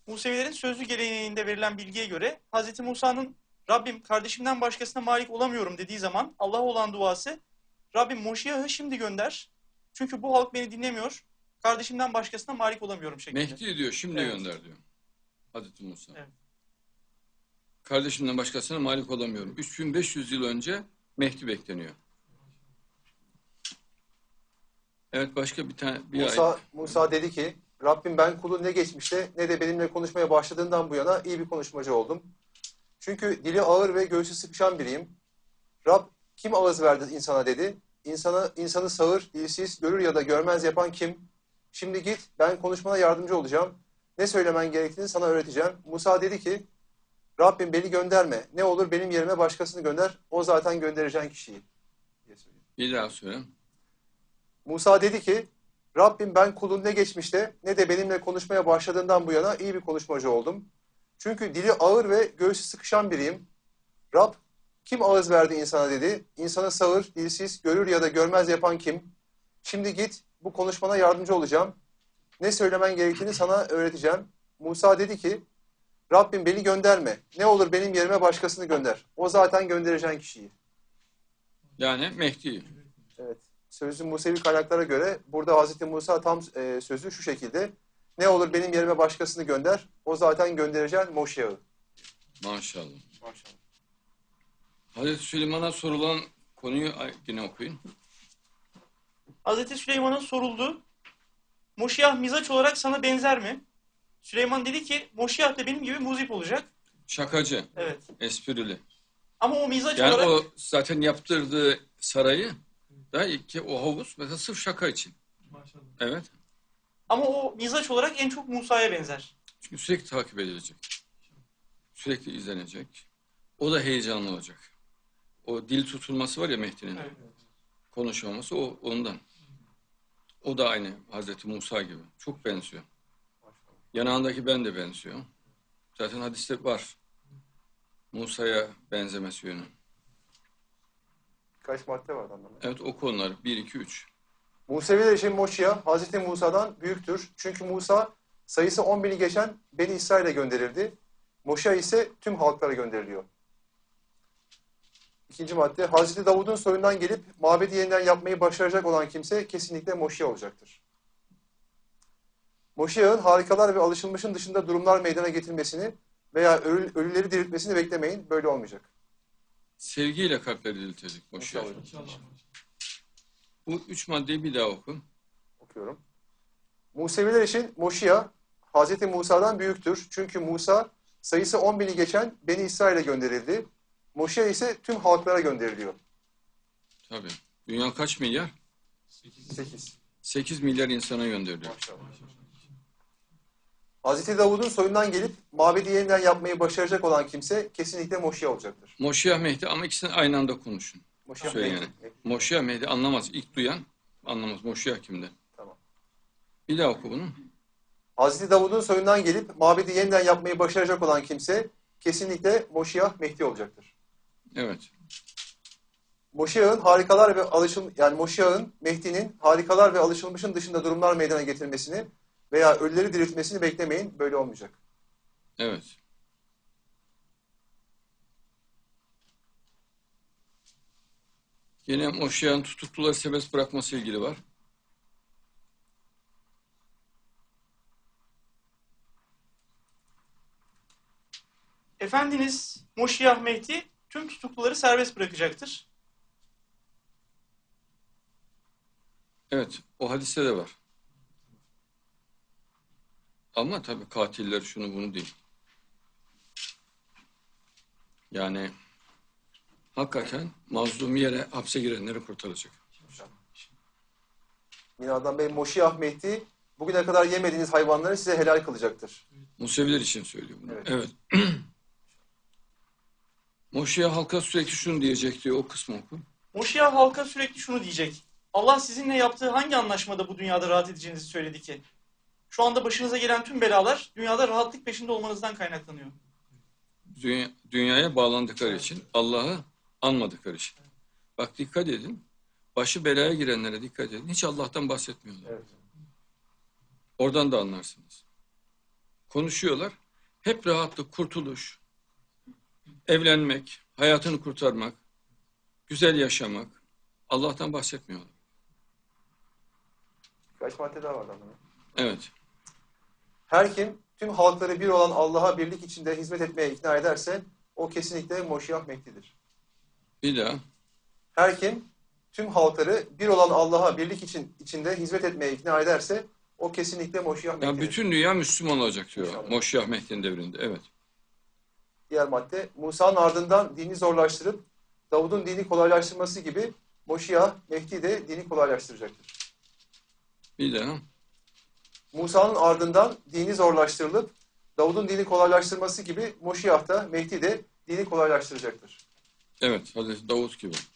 Musevilerin sözlü geleneğinde verilen bilgiye göre Hz. Musa'nın Rabbim kardeşimden başkasına malik olamıyorum dediği zaman Allah'a olan duası Rabbim Moşiyah'ı şimdi gönder. Çünkü bu halk beni dinlemiyor. Kardeşimden başkasına malik olamıyorum şeklinde. Mehdi diyor, şimdi Evet. gönder diyor Hazreti Musa. Evet. Kardeşimden başkasına malik olamıyorum. 3500 yıl önce Mehdi bekleniyor. Evet, başka bir tane Musa dedi ki, Rabbim ben kulun ne geçmişte ne de benimle konuşmaya başladığından bu yana iyi bir konuşmacı oldum. Çünkü dili ağır ve göğsü sıkışan biriyim. Rab kim ağız verdi insana dedi. İnsanı sağır, dilsiz, görür ya da görmez yapan kim? Şimdi git, ben konuşmana yardımcı olacağım. Ne söylemen gerektiğini sana öğreteceğim. Musa dedi ki, Rabbim beni gönderme. Ne olur benim yerime başkasını gönder. O zaten göndereceğin kişiyi. Diye söylüyor. bir daha söyle. Musa dedi ki, Rabbim ben kulun ne geçmişte ne de benimle konuşmaya başladığından bu yana iyi bir konuşmacı oldum. Çünkü dili ağır ve göğsü sıkışan biriyim. Rab kim ağız verdi insana dedi. İnsanı sağır, dilsiz, görür ya da görmez yapan kim? Şimdi git, bu konuşmana yardımcı olacağım. Ne söylemen gerektiğini sana öğreteceğim. Musa dedi ki, Rabbim beni gönderme. Ne olur benim yerime başkasını gönder. O zaten göndereceğin kişiyi. Yani Mehdi. Evet. Sözlü Musevi kaynaklara göre burada Hazreti Musa tam sözü şu şekilde. Ne olur benim yerime başkasını gönder. O zaten göndereceğin Moşiyah'ı. Maşallah. Maşallah. Hazreti Süleyman'a sorulan konuyu yine okuyun. Hz. Süleyman'a soruldu. Moşiyah mizaç olarak sana benzer mi? Süleyman dedi ki Moşiyah da benim gibi muzip olacak. Şakacı, Evet. esprili. Ama o mizaç Yani olarak... o zaten yaptırdığı sarayı da ki o havuz mesela sırf şaka için. Maşallah. Evet. Ama o mizaç olarak en çok Musa'ya benzer. Çünkü sürekli takip edilecek. Sürekli izlenecek. O da heyecanlı olacak. O dil tutulması var ya Mehdi'nin. Evet. Konuşmaması o ondan. O da aynı Hazreti Musa gibi. Çok benziyor. Yanağındaki ben de benziyor. Zaten hadiste var. Musa'ya benzemesi yönü. Kaç madde vardı anlamadım. Evet, o konular 1, 2, 3. Museviler için Moşiyah Hazreti Musa'dan büyüktür. Çünkü Musa sayısı 10.000'i geçen Beni İsrail'e gönderildi. Moşiyah ise tüm halklara gönderiliyor. İkinci madde, Hazreti Davud'un soyundan gelip mabedi yeniden yapmayı başaracak olan kimse kesinlikle Moşiyah olacaktır. Moşiyah'ın harikalar ve alışılmışın dışında durumlar meydana getirmesini veya ölüleri diriltmesini beklemeyin. Böyle olmayacak. Sevgiyle kalpleri diriltecek Moşiyah. İnşallah. İnşallah. Bu 3 maddeyi bir daha oku. Okuyorum. Museviler için Moşiyah Hazreti Musa'dan büyüktür. Çünkü Musa sayısı 10.000'i geçen Beni İsrail'e gönderildi. Moşiyah ise tüm halklara gönderiliyor. Tabii. Dünya kaç milyar? 8. 8 milyar insana gönderiliyor. Maşallah. Hazreti Davud'un soyundan gelip mabedi yeniden yapmayı başaracak olan kimse kesinlikle Moşiyah olacaktır. Moşiyah Mehdi ama ikisini aynı anda konuşun. Moşiyah Söyleyin Mehdi. yani. Moşiyah Mehdi anlamaz. İlk duyan anlamaz. Moşiyah kimde? Tamam. Bir daha oku bunu. Hazreti Davud'un soyundan gelip mabedi yeniden yapmayı başaracak olan kimse kesinlikle Moşiyah Mehdi olacaktır. Evet. Moşiyah'ın harikalar ve Moşiyah'ın Mehdi'nin harikalar ve alışılmışın dışında durumlar meydana getirmesini veya ölüleri diriltmesini beklemeyin. Böyle olmayacak. Evet. Yine Moşiyah'ın tutukluları serbest bırakması ilgili var. Efendiniz Moşiyah Mehdi tüm tutukluları serbest bırakacaktır. Evet. O hadiste de var. Ama tabii katiller şunu bunu değil. Yani hakikaten mazlum yere hapse girenleri kurtaracak. Yine adam Bey Moşiyah Mehdi bugüne kadar yemediğiniz hayvanları size helal kılacaktır. Museviler için söylüyor bunu. Evet. Evet. Moşiyah halka sürekli şunu diyecek diyor. O kısmı oku. Moşiyah halka sürekli şunu diyecek. Allah sizinle yaptığı hangi anlaşmada bu dünyada rahat edeceğinizi söyledi ki? Şu anda başınıza gelen tüm belalar dünyada rahatlık peşinde olmanızdan kaynaklanıyor. Dünyaya bağlandıkları için, Allah'ı anmadıkları için. Bak dikkat edin. Başı belaya girenlere dikkat edin. Hiç Allah'tan bahsetmiyorlar. Evet. Oradan da anlarsınız. konuşuyorlar. Hep rahatlık, kurtuluş, evlenmek, hayatını kurtarmak, güzel yaşamak. Allah'tan bahsetmiyorlar. Kaç madde daha vardı ama. Evet. Her kim tüm halkları bir olan Allah'a birlik içinde hizmet etmeye ikna ederse o kesinlikle Moşiyah Mehdi'dir. Bir daha. Her kim tüm halkları bir olan Allah'a birlik içinde hizmet etmeye ikna ederse o kesinlikle Moşiyah Yani Mehdi'dir. bütün dünya Müslüman olacak diyor. İnşallah. Moşiyah Mehdi'nin devrinde. Evet. Diğer madde Musa'nın ardından dini zorlaştırıp Davud'un dini kolaylaştırması gibi Moşiyah Mehdi de dini kolaylaştıracaktır. Bir daha. Musa'nın ardından dini zorlaştırılıp Davud'un dini kolaylaştırması gibi Moşiyah da Mehdi de dini kolaylaştıracaktır. Evet. Hazreti Davut gibi.